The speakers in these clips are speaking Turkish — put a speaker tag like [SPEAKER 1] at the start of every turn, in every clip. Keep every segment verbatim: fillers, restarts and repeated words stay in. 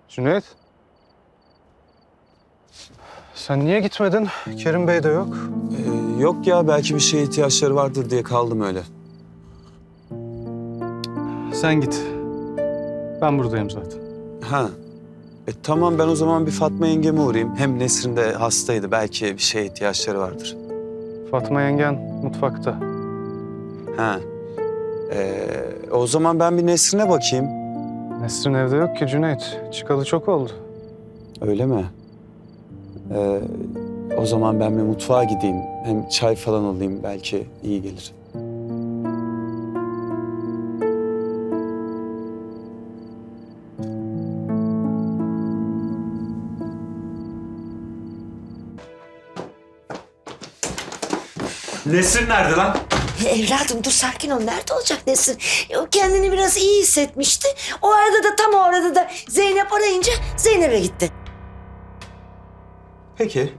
[SPEAKER 1] Cüneyt. Sen niye gitmedin? Kerim Bey de yok.
[SPEAKER 2] Ee, yok ya, belki bir şeye ihtiyaçları vardır diye kaldım öyle.
[SPEAKER 1] Sen git. Ben buradayım zaten.
[SPEAKER 2] Ha. E, tamam, ben o zaman bir Fatma yengeme uğrayayım. Hem Nesrin de hastaydı. Belki bir şeye ihtiyaçları vardır.
[SPEAKER 1] Fatma yengen mutfakta.
[SPEAKER 2] Ha. Ee, o zaman ben bir Nesrin'e bakayım.
[SPEAKER 1] Nesrin evde yok ki Cüneyt. Çıkalı çok oldu.
[SPEAKER 2] Öyle mi? Ee, o zaman ben bir mutfağa gideyim. Hem çay falan alayım, belki iyi gelir. Nesrin nerede lan?
[SPEAKER 3] Evladım dur sakin ol. Nerede olacak Nesrin? O kendini biraz iyi hissetmişti. O arada da tam o arada da Zeynep arayınca Zeynep'e gitti.
[SPEAKER 2] Peki.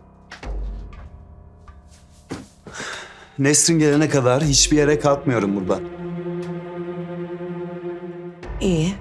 [SPEAKER 2] Nesrin gelene kadar hiçbir yere kalkmıyorum buradan.
[SPEAKER 3] İyi.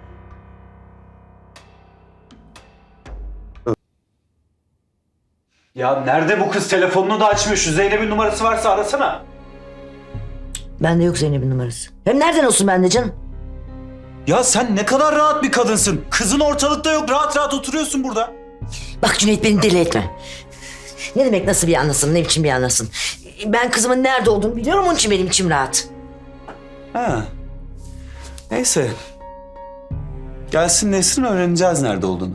[SPEAKER 2] Ya nerede bu kız? Telefonunu da açmıyor. Şu Zeynep'in numarası varsa arasana.
[SPEAKER 3] Bende yok Zeynep'in numarası. Hem nereden olsun bende canım?
[SPEAKER 2] Ya sen ne kadar rahat bir kadınsın. Kızın ortalıkta yok. Rahat rahat oturuyorsun burada.
[SPEAKER 3] Bak Cüneyt beni deli etme. Ne demek nasıl bir anlasın, ne biçim bir anlasın? Ben kızımın nerede olduğunu biliyorum, onun için benim içim rahat.
[SPEAKER 2] Ha. Neyse. Gelsin Nesrin, öğreneceğiz nerede olduğunu.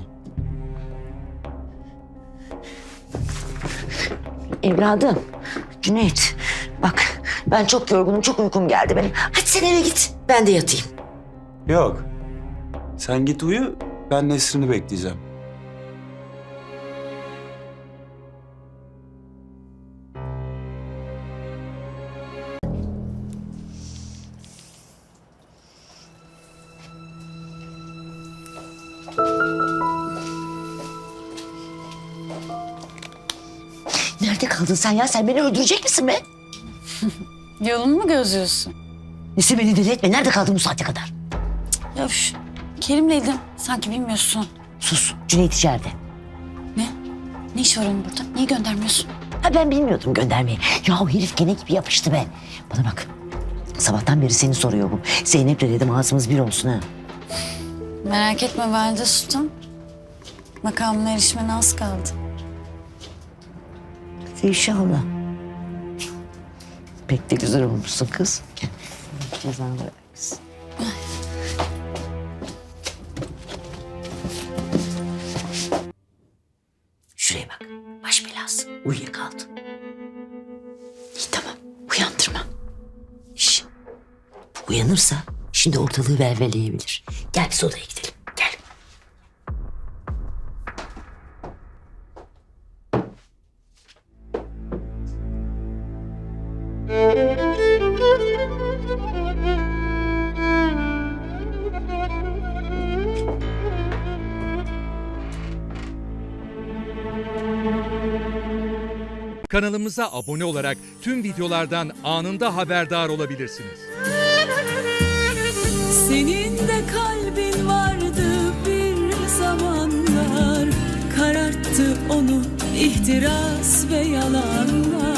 [SPEAKER 3] Evladım, Cüneyt bak ben çok yorgunum, çok uykum geldi benim. Hadi sen eve git, ben de yatayım.
[SPEAKER 2] Yok. Sen git uyu, ben Nesrin'i bekleyeceğim.
[SPEAKER 3] Nerede kaldın sen ya? Sen beni öldürecek misin be?
[SPEAKER 4] Yolumu mu gözlüyorsun?
[SPEAKER 3] Nesi beni deli etme. Nerede kaldın bu saate kadar?
[SPEAKER 4] Ya üf, Kerim'leydim. Sanki bilmiyorsun.
[SPEAKER 3] Sus. Cüneyt içeride.
[SPEAKER 4] Ne? Ne iş var onun burada? Niye göndermiyorsun?
[SPEAKER 3] Ha ben bilmiyordum göndermeyi. Ya o herif gene gibi yapıştı be. Bana bak. Sabahtan beri seni soruyor bu. Zeynep'le dedim ağzımız bir olsun ha.
[SPEAKER 4] Merak etme Valide Sultan. Makamına erişmene az kaldı.
[SPEAKER 3] İnşallah. Pek de güzel olmuşsun kız. Gel. Cezanı versin. Şuraya bak. Baş belası. Uyuyakaldı. İyi tamam. Uyandırma. Şş. Bu uyanırsa şimdi ortalığı velveleyebilir. Gel biz odaya gidelim. Gel.
[SPEAKER 5] Kanalımıza abone olarak tüm videolardan anında haberdar olabilirsiniz.
[SPEAKER 6] Senin de kalbin vardı bir zamanlar, kararttı onu ihtiras ve yalanlar.